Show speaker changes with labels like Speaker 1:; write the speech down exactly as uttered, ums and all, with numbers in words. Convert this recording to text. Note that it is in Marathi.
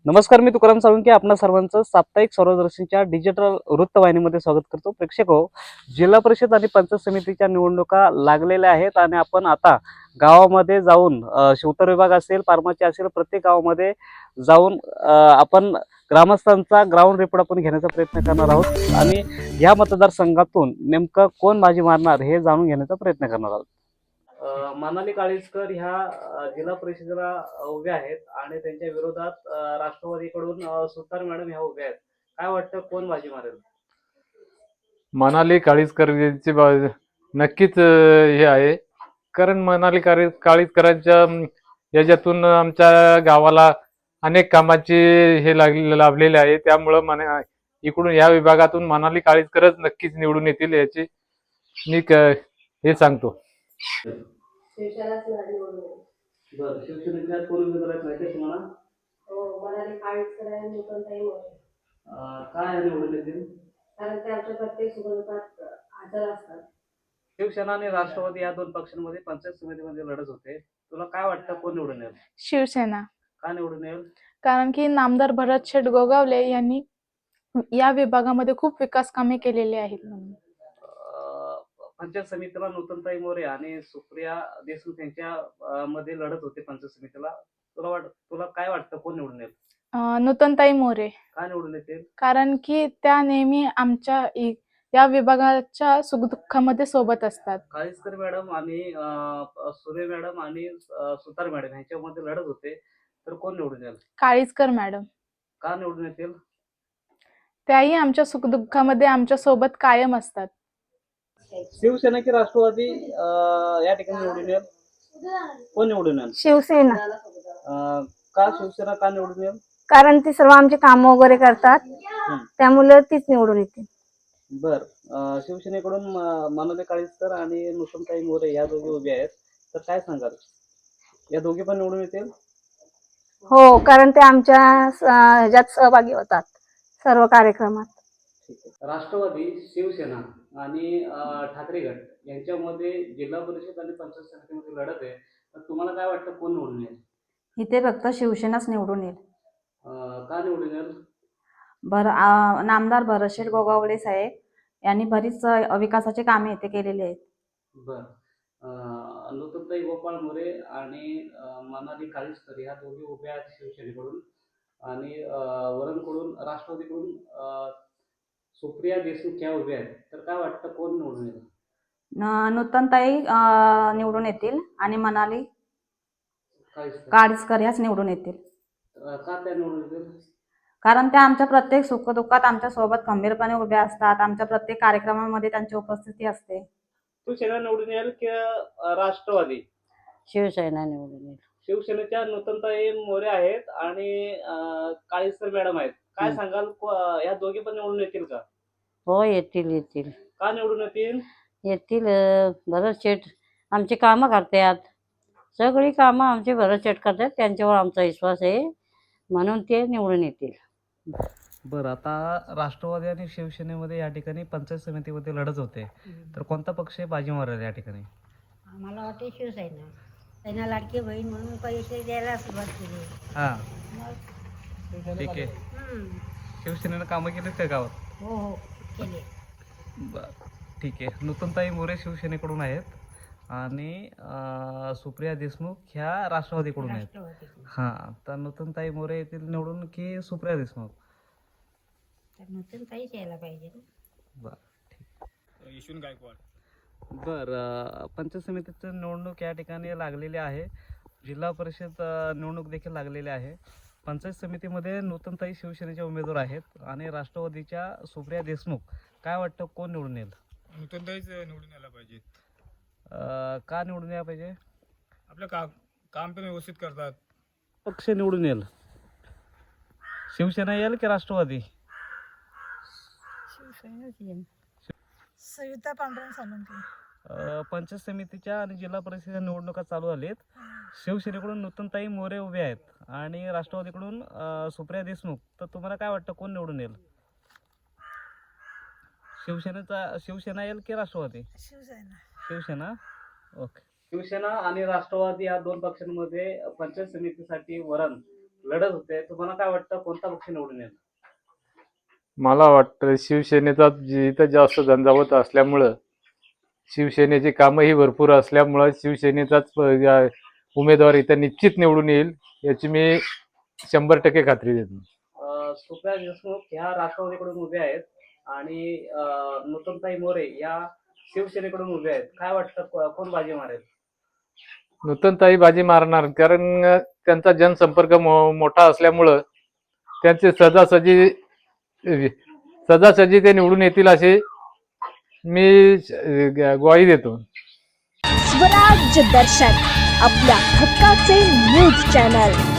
Speaker 1: नमस्कार, मी तुकाराम साळुंखे आपणा सर्वांचं साप्ताहिक स्वरदर्शनच्या डिजिटल वृत्तवाहिनीमध्ये स्वागत करतो. प्रेक्षक हो, जिल्हा परिषद आणि पंचायत समितीच्या निवडणुका लागलेल्या आहेत आणि आपण आता गावामध्ये जाऊन अ, उत्तर विभाग असेल, फार्मसी असेल, प्रत्येक गावामध्ये जाऊन अ, आपण ग्रामस्थांचा ग्राउंड रिपोर्ट आपण घेण्याचा प्रयत्न करणार आहोत आणि या मतदारसंघातून नेमकं कोण बाजी मारणार हे जाणून घेण्याचा प्रयत्न करणार आहोत. अ, मनाली काळीजकर ह्या अ, जिल्हा परिषदेला अ, उभ्या आहेत आणि त्यांच्या विरोधात अ, राष्ट्रवादीकडून अ, सुतार मॅडम ह्या उभ्या आहेत. काय वाटतं कोण बाजी मारेल?
Speaker 2: मनाली काळीजकर यांची बा- नक्कीच अ, हे आहे. कारण मनाली काळी काळीजकरांच्या अम, याच्यातून आमच्या गावाला अनेक कामाचे हे लागले लाभलेले आहे. त्यामुळं मना इकडून या विभागातून मनाली काळीजकरच नक्कीच निवडून येतील याची मी क- हे सांगतो.
Speaker 3: शिवसेनाच निवडून येईल.
Speaker 1: बरं, शिवसेनेच्या कोण उमेदवार आहेत माहिती आहे तुम्हाला?
Speaker 3: हो, मनाली काळीजकर आणि नूतनताई मोरे.
Speaker 1: अ, काय निवडून येतील?
Speaker 3: कारण ते आमच्या प्रत्येक सुखदुःखात हजर असतात.
Speaker 1: शिवसेना आणि राष्ट्रवादी या दोन पक्षांमध्ये पंचायत समितीमध्ये लढत होते. तुला काय वाटतं कोण निवडून येईल?
Speaker 4: शिवसेना.
Speaker 1: का निवडून येईल?
Speaker 4: कारण की नामदार भरत शेठ गोगावले यांनी या विभागामध्ये खूप विकास कामे केलेली आहेत म्हणून.
Speaker 1: अ, पंचायत समितीला नूतनताई मोरे आणि सुप्रिया देशमुख यांच्या अ, मध्ये लढत होते पंचायत समितीला. तुला वाट तुला काय वाटतं कोण निवडून येईल?
Speaker 4: अं, नूतनताई मोरे.
Speaker 1: का निवडून येतील?
Speaker 4: कारण की त्या नेहमी आमच्या इ- या विभागाच्या सुखदुःखामध्ये सोबत असतात.
Speaker 1: काळीजकर मॅडम आणि अ, सुरे मॅडम आणि अ, सुतार मॅडम यांच्यामध्ये लढत होते, तर कोण निवडून येईल?
Speaker 4: काळीजकर मॅडम.
Speaker 1: का निवडून येतील?
Speaker 4: त्याही आमच्या सुखदुःखामध्ये आमच्या सोबत कायम असतात.
Speaker 1: शिवसेना की राष्ट्रवादी अ, या ठिकाणी निवडून येईल? कोण निवडून येईल?
Speaker 5: शिवसेना.
Speaker 1: अ, का शिवसेना का निवडून येईल?
Speaker 5: कारण ती सर्व आमचे काम वगैरे करतात,
Speaker 1: हं.
Speaker 5: त्यामुळे तीच निवडून येते.
Speaker 1: बर, अ, शिवसेनेकडून म- मनोले काळीजकर आणि नुतनताई मोरे या दोघी उभे आहेत, तर काय सांगाल? या दोघी पण निवडून येतील?
Speaker 5: हो, कारण ते आमच्या स- ह्याच्यात सहभागी होतात सर्व कार्यक्रमात.
Speaker 1: ठीक आहे. राष्ट्रवादी, शिवसेना आणि अ, ठाकरे गट यांच्यामध्ये जिल्हा परिषद आणि पंचायत समितीमध्ये लढत आहे, तर तुम्हाला काय वाटतं कोण निवडून येईल?
Speaker 6: इथे फक्त शिवसेनाच निवडून येईल.
Speaker 1: अ, का निवडून येईल?
Speaker 6: भर आ- नामदार भरतशेठ गोगावले साहेब यांनी बरीच अ, विकासाची कामे इथे केलेली आहेत.
Speaker 1: बर, अ, नुतनताई गोपाळ मोरे आणि अ, मनाली काळीजकर ह्या दोघी उभ्या आहेत शिवसेनेकडून आणि अ, वरणकडून राष्ट्रवादीकडून अ, सुप्रिया देशमुख ह्या उभ्या आहेत, तर काय वाटतं कोण निवडून येईल?
Speaker 6: न- नूतनताई अ, निवडून येतील आणि मनाली
Speaker 1: काळीजकर.
Speaker 6: काळीजकर ह्याच निवडून येतील.
Speaker 1: अ, का त्या निवडून येतील?
Speaker 6: कारण त्या आमच्या प्रत्येक सुखदुःखात आमच्या सोबत खंबीरपणे उभ्या असतात. आमच्या प्रत्येक कार्यक्रमामध्ये त्यांची उपस्थिती असते.
Speaker 1: शिवसेना निवडून येईल की अ, राष्ट्रवादी?
Speaker 7: शिवसेना निवडून येईल.
Speaker 1: शिवसेनेच्या नूतनताई मोरे आहेत आणि अ, काळीजकर मॅडम आहेत. काय
Speaker 7: हं.
Speaker 1: सांगाल को- या दोघी पण निवडून येतील का?
Speaker 7: हो, येतील येतील
Speaker 1: का निवडून येतील?
Speaker 7: येतील. अं, भरत शेठ आमची कामं करतात. सगळी कामं आमचे भरत शेठ करतात. त्यांच्यावर आमचा विश्वास आहे, म्हणून ते निवडून येतील.
Speaker 1: बरं, आता राष्ट्रवादी आणि शिवसेनेमध्ये या ठिकाणी पंचायत समितीमध्ये लढत होते, तर कोणता पक्ष बाजी मारेल या ठिकाणी?
Speaker 8: आम्हाला वाटते शिवसेना. त्यांना लाडकी बहीण म्हणून पैसे द्यायला सुरुवात केली.
Speaker 1: हां,
Speaker 8: मग
Speaker 1: ठीक आहे.
Speaker 8: हम्म.
Speaker 1: शिवसेनेनं कामं केलीत का गावात?
Speaker 8: हो हो केले.
Speaker 1: बरं, ठीक आहे. नूतनताई मोरे शिवसेनेकडून आहेत आणि अ, सुप्रिया देशमुख ह्या राष्ट्रवादीकडून आहेत.
Speaker 8: राष्ट्रवादी
Speaker 1: हां, तर नूतनताई मोरे येथील निवडून की सुप्रिया देशमुख?
Speaker 8: तर नूतन काहीच यायला पाहिजे ना.
Speaker 1: बरं, ठीक. यशवंत गायकवाड. बरं, पंचायत समितीचं निवडणूक या ठिकाणी लागलेली आहे. जिल्हा परिषद अ, निवडणूक देखील लागलेली आहे. पंचायत समितीमध्ये नूतनताई शिवसेनेचे उमेदवार आहेत आणि राष्ट्रवादीच्या सुप्रिया देशमुख. काय वाटतं कोण निवडून येईल?
Speaker 9: नूतनताईच निवडून यायला पाहिजे.
Speaker 1: अ, का निवडून यायला पाहिजे?
Speaker 9: आपलं का काम पण व्यवस्थित करतात.
Speaker 1: पक्ष निवडून येईल? शिवसेना येईल की राष्ट्रवादी?
Speaker 8: शिवसेनाच येईल.
Speaker 4: सविता पांडुरंग साळुंखे.
Speaker 1: अ, पंचायत समितीच्या आणि जिल्हा परिषदेच्या निवडणुका चालू झालीत. शिवसेनेकडून नूतनताई मोरे उभे आहेत आणि राष्ट्रवादीकडून अ, सुप्रिया देशमुख. तर तुम्हाला काय वाटतं कोण निवडून येईल? शिवसेनेचा शिवसेना येईल की राष्ट्रवादी?
Speaker 4: शिवसेना.
Speaker 1: शिवसेना, ओके. शिवसेना आणि राष्ट्रवादी या दोन पक्षांमध्ये पंचायत समितीसाठी वरण लढत होते, तुम्हाला काय वाटतं कोणता पक्ष निवडून येईल?
Speaker 2: मला वाटतं शिवसेनेचा जी- इथं जास्त झंझावत असल्यामुळं, शिवसेनेची कामंही भरपूर असल्यामुळं शिवसेनेचाच प- या- उमेदवार इथं निश्चित निवडून येईल याची मी शंभर टक्के खात्री देतो.
Speaker 1: अं, सुप्रिया देशमुख ह्या राष्ट्रवादीकडून उभे आहेत आणि अं, नूतनताई मोरे या शिवसेनेकडून उभे आहेत. काय वाटतं को- कोण बाजी मारेल?
Speaker 2: नूतनताई बाजी मारणार, कारण त्यांचा जनसंपर्क मो मोठा असल्यामुळं त्यांचे सहजासहजी सहजासहजी ते निवडून येतील असे मी अ, ग्वाही देतो.
Speaker 10: स्वराज्य दर्शन आपल्या हक्काचे न्यूज चॅनल.